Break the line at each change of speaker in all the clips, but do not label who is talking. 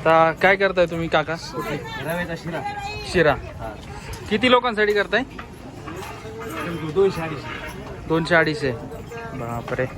आता काय करताय तुम्ही काका?
रव्याचा शिरा.
शिरा किती लोकांसाठी करताय?
200-250.
200-250. बापरे.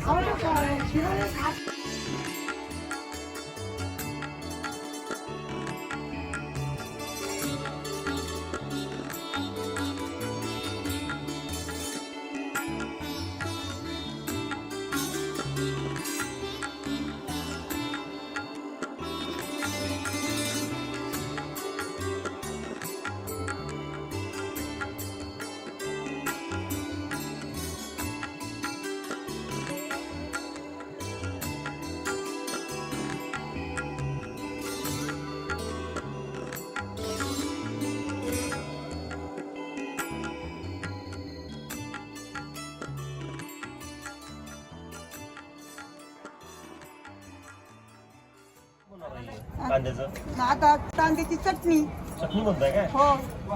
कांद्याचं
आता कांद्याची चटणी
चटणी म्हणताय काय?
हो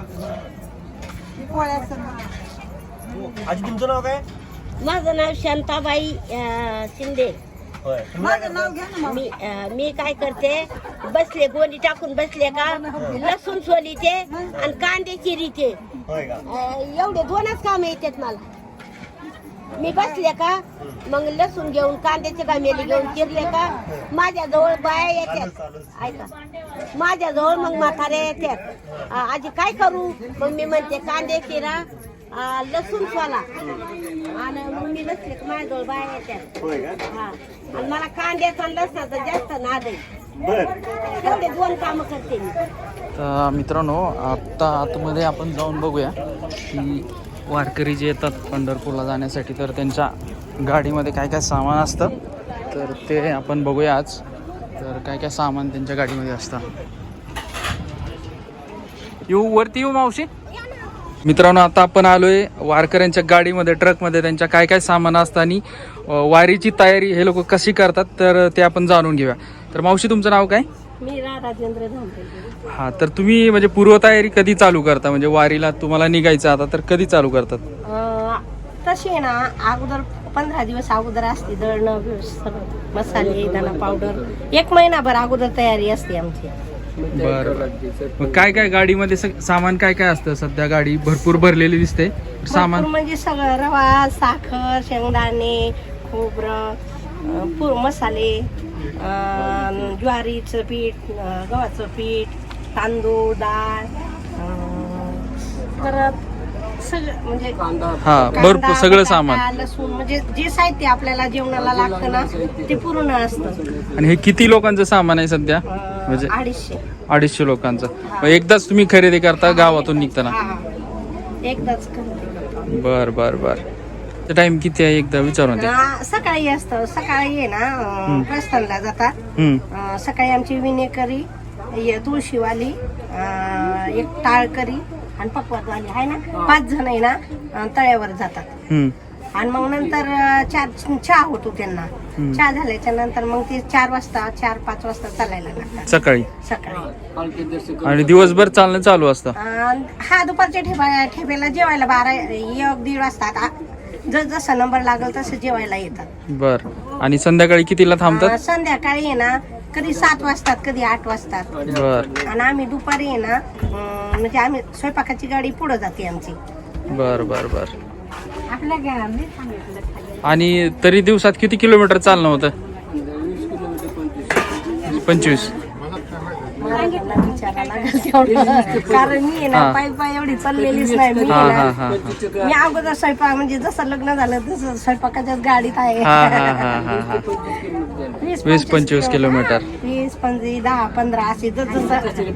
पोळ्या संग.
आजी तुमचं नाव काय?
माझं नाव शांताबाई शिंदे.
होय.
माझं नाव घ्या ना मग.
मी काय करते, बसले गोणी टाकून बसले का लसूण सोलीते आणि कांदे चिरीते.
होय का?
एवढे दोनच काम येतात मला. मी बसले का मग लसूण घेऊन कांद्याचे कामेली घेऊन चिरले का माझ्याजवळ बाया येतात. ऐका, माझ्याजवळ मग म्हातारे येतात. आजी काय करू? मग मी म्हणते कांदे चिरा, लसूण सोला, आणि मग मी नसले का माझ्याजवळ बाया येतात.
होय का?
हा, आणि मला कांद्याचा आणि लसणाचा जास्त नाद आहे.
बर.
तेवढे दोन कामं करते मी.
तर मित्रांनो, आता आतमध्ये आपण जाऊन बघूया की वारकरी जे येतात पंढरपूरला जाण्यासाठी तर त्यांच्या गाडीमध्ये काय काय सामान असतं. तर ते आपण बघूया आज. तर काय काय सामान त्यांच्या गाडीमध्ये असतं. वरती येऊ मावशी. मित्रांनो, आता आपण आलोय वारकऱ्यांच्या गाडीमध्ये, ट्रकमध्ये त्यांच्या काय काय सामान असतं आणि वारीची तयारी हे लोक कशी करतात तर ते आपण जाणून घेऊया. तर मावशी, तुमचं नाव काय?
मी राजेंद्र धामटे.
हा, तर तुम्ही म्हणजे पूर्वतयारी कधी चालू करता? म्हणजे वारीला तुम्हाला निघायचं आता, तर कधी चालू करतात?
तशी ना अगोदर 15 दिवस अगोदर असते दळणं, सगळं मसाले, दाणा पावडर, 1 महिनाभर अगोदर तयारी असते आमची.
बरं. मग काय काय गाडीमध्ये सामान काय काय असतं? सध्या गाडी भरपूर भरलेली दिसते. सामान
भरपूर म्हणजे सगळं रवा, साखर, शेंगदाणे, खोबरं, मसाले, ज्वारीचं पीठ, गव्हाचं पीठ, तांदूळ, डाळ, परत सगळं म्हणजे
हा, भरपूर सगळं सामान.
लसूण, म्हणजे जे साहित्य आपल्याला जेवणाला लागतं ना ते पूर्ण असतं.
आणि हे किती लोकांचं सामान आहे सध्या? म्हणजे 250 लोकांचं. मग एकदाच तुम्ही खरेदी करता गावातून निघताना?
एकदाच.
बर बर बर. टाइम किती आहे एकदा विचारून द्या.
सकाळी असतं. सकाळी आहे ना प्रस्थानला जातात. सकाळी आमची विनेकरी, तुळशीवाली, एक टाळकरी आणि पकवातवाली आहे ना, 5 जण आहे ना तळ्यावर जातात. आणि मग नंतर चहा होतो त्यांना. चहा झाल्याच्या नंतर मग ते 4 वाजता 4-5 वाजता चालायला लागतात
सकाळी.
सकाळी
आणि दिवसभर चालणं चालू असतं.
हा, दुपारच्या ठेप्याला जेवायला 12-1-1:30 वाजता. जसा नंबर लागल तसं जेवायला येतात.
बर. आणि संध्याकाळी कितीला थांबतात?
संध्याकाळी आहे ना कधी 7 वाजतात, कधी 8 वाजतात.
बर.
आणि आम्ही दुपारी आहे ना म्हणजे आम्ही स्वयंपाकाची गाडी पुढे जाते आमची.
बर बर बर.
आपल्या घरामध्ये सांगितलं.
आणि तरी दिवसात किती किलोमीटर चालणं होतं? 25.
सांगितलं विचारायला लागेल तेवढं. कारण मी आहे ना पाय एवढी चाललेलीच नाही. मी मी अगोदर स्वयंपाक म्हणजे जसं लग्न झालं तसं स्वयंपाकाच्याच गाडीत आहे.
20-25 किलोमीटर.
20-25, 10-15 असे जसं.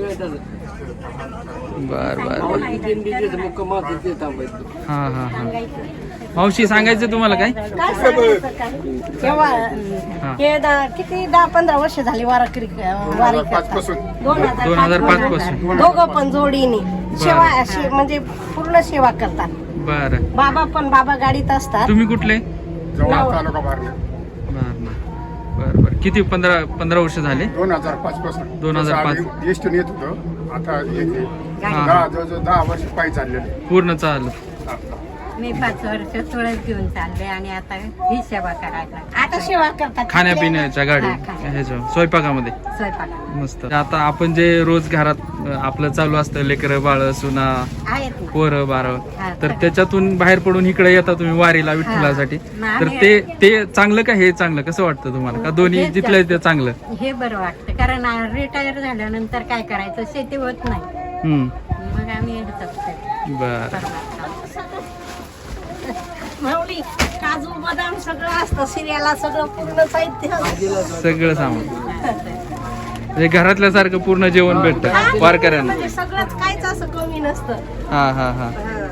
बर बर. हा हा हा. मावशी, सांगायचं तुम्हाला काय?
काय सांगायचं काय? केव्हा हे किती 10-15 वर्ष झाली वारी करतात.
2005 पासून.
दोघं पण जोडीने सेवा म्हणजे पूर्ण सेवा करतात.
बर.
बाबा गाडीत असतात.
तुम्ही कुठले? बर बर. किती 15 वर्ष झाले?
2005 पासून.
2005
एसटीने येत होतो. आता 10 वर्ष पायी चाललेलं.
पूर्ण चालू.
मी 5 वर्ष तुळस घेऊन चालले आणि आता ही सेवा करायला
आता सेवा करतात
खाण्यापिण्याच्या गाडी
हा, खा.
ह्याच्या स्वयंपाकामध्ये
स्वयंपाक
मस्त. आता आपण जे रोज घरात आपलं चालू असतं लेकरं बाळ सुना
आहेत ना
पोरं बाळ
हा,
तर
हा.
त्याच्यातून बाहेर पडून इकडे येता तुम्ही वारीला विठ्ठलासाठी
हा.
तर ते चांगलं का हे चांगलं कसं वाटतं तुम्हाला का दोन्ही
हेच
जिथलं ते चांगलं
हे बरं वाटतं कारण रिटायर झाल्यानंतर काय करायचं शेती होत नाही
हम्म
मग आम्ही ह्याच्यात करतो.
बर
परमात्मा.
माऊली काजू बदाम सगळं असतं सिरियाला सगळं पूर्ण साहित्य
सगळं सामान म्हणजे घरातल्या सारखं पूर्ण जेवण भेटतं वारकऱ्यांना
म्हणजे सगळंच काहीच असं कमी नसतं
हा हा हा